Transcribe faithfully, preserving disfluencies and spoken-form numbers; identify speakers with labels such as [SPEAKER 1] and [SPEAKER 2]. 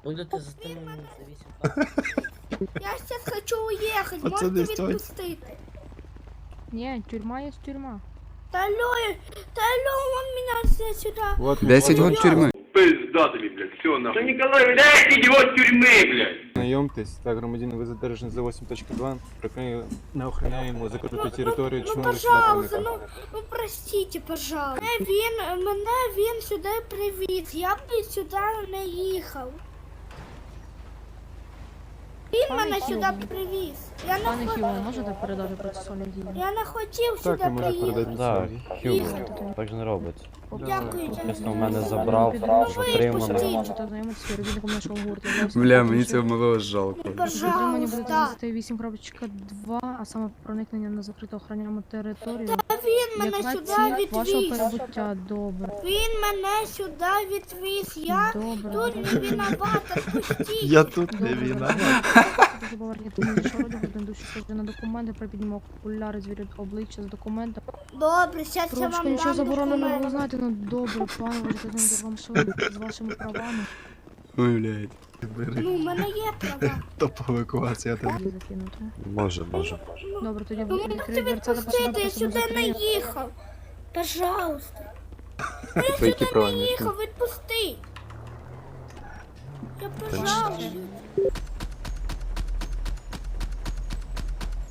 [SPEAKER 1] Будете затримані за вісім.
[SPEAKER 2] Я сейчас хочу уехать,
[SPEAKER 3] Пацаны,
[SPEAKER 2] можете
[SPEAKER 3] стойте.
[SPEAKER 2] відпустити?
[SPEAKER 4] Ні, тюрма є тюрма.
[SPEAKER 2] Та алло, та алло, он меня все сюда.
[SPEAKER 3] Вот,
[SPEAKER 5] десять год тюрми.
[SPEAKER 6] Пизда тобі, блядь, все нахуй. Ну, Николай, блядь, идиот тюрьмы, блядь.
[SPEAKER 3] Знайомтесь, так, громадянин, ви задержані за восемь точка два. Припинили неохороняємо закриту територію.
[SPEAKER 2] Ну,
[SPEAKER 3] Чому ви сюди
[SPEAKER 2] пожалуйста,
[SPEAKER 3] проникли?
[SPEAKER 2] ну, ну простите, пожалуйста. Мене він, мене він сюди привіз, я б сюди не їхав. Він
[SPEAKER 4] Пане
[SPEAKER 2] мене
[SPEAKER 4] Хіло.
[SPEAKER 2] сюди привіз. Я не,
[SPEAKER 4] Пане
[SPEAKER 2] хо-
[SPEAKER 4] Хіло, можете передати процесуальні дії?
[SPEAKER 2] я не хотів
[SPEAKER 3] Так,
[SPEAKER 2] сюди
[SPEAKER 3] ви можете
[SPEAKER 2] приїхати.
[SPEAKER 3] передати
[SPEAKER 7] Так,
[SPEAKER 3] свої.
[SPEAKER 7] Хюго, так же не робиться.
[SPEAKER 2] Дякую,
[SPEAKER 3] Да.
[SPEAKER 2] дякую.
[SPEAKER 7] В мене забрав, затримано.
[SPEAKER 2] Пустіть.
[SPEAKER 4] Можете знайомитися з співробітником нашого гурту.
[SPEAKER 5] Бля, мені цього малого жалко.
[SPEAKER 2] Ну,
[SPEAKER 4] Затримання буде
[SPEAKER 2] пожалуйста.
[SPEAKER 4] статей вісім крапка два, а саме проникнення на закриту охороняємо територію.
[SPEAKER 2] Та він мене
[SPEAKER 4] Як на
[SPEAKER 2] сюди
[SPEAKER 4] ціль вашого
[SPEAKER 2] відвіз.
[SPEAKER 4] перебуття. Добре.
[SPEAKER 2] Він мене сюди відвіз. Я
[SPEAKER 4] Добре.
[SPEAKER 2] тут не виновата, пустіть.
[SPEAKER 3] Я тут не
[SPEAKER 4] Добре,
[SPEAKER 3] вина.
[SPEAKER 4] Дуже повернути мені шороді, будемо душі схожі на документи, припіднімо окуляри, звірять обличчя з документами.
[SPEAKER 2] Добре, зараз я
[SPEAKER 4] Трошки
[SPEAKER 2] вам
[SPEAKER 4] нічого
[SPEAKER 2] дам
[SPEAKER 4] забороненого, ви
[SPEAKER 2] документи.
[SPEAKER 4] знаєте, ну добре, пане, ви ж вам що з вашими правами.
[SPEAKER 5] Ой, блядь.
[SPEAKER 3] Бери,
[SPEAKER 2] Ну, у мене є права.
[SPEAKER 3] топ евакуація там.
[SPEAKER 4] Її закинути.
[SPEAKER 7] Може, може.
[SPEAKER 4] Добре, тоді
[SPEAKER 2] Ну,
[SPEAKER 4] ви
[SPEAKER 2] можете
[SPEAKER 4] відкриєте дверцята,
[SPEAKER 2] відпустити, я сюди не
[SPEAKER 4] закриє.
[SPEAKER 2] їхав. Пожалуйста. Я
[SPEAKER 5] Твої
[SPEAKER 2] сюди не
[SPEAKER 5] правильні.
[SPEAKER 2] їхав, відпусти. Я пожалуйста.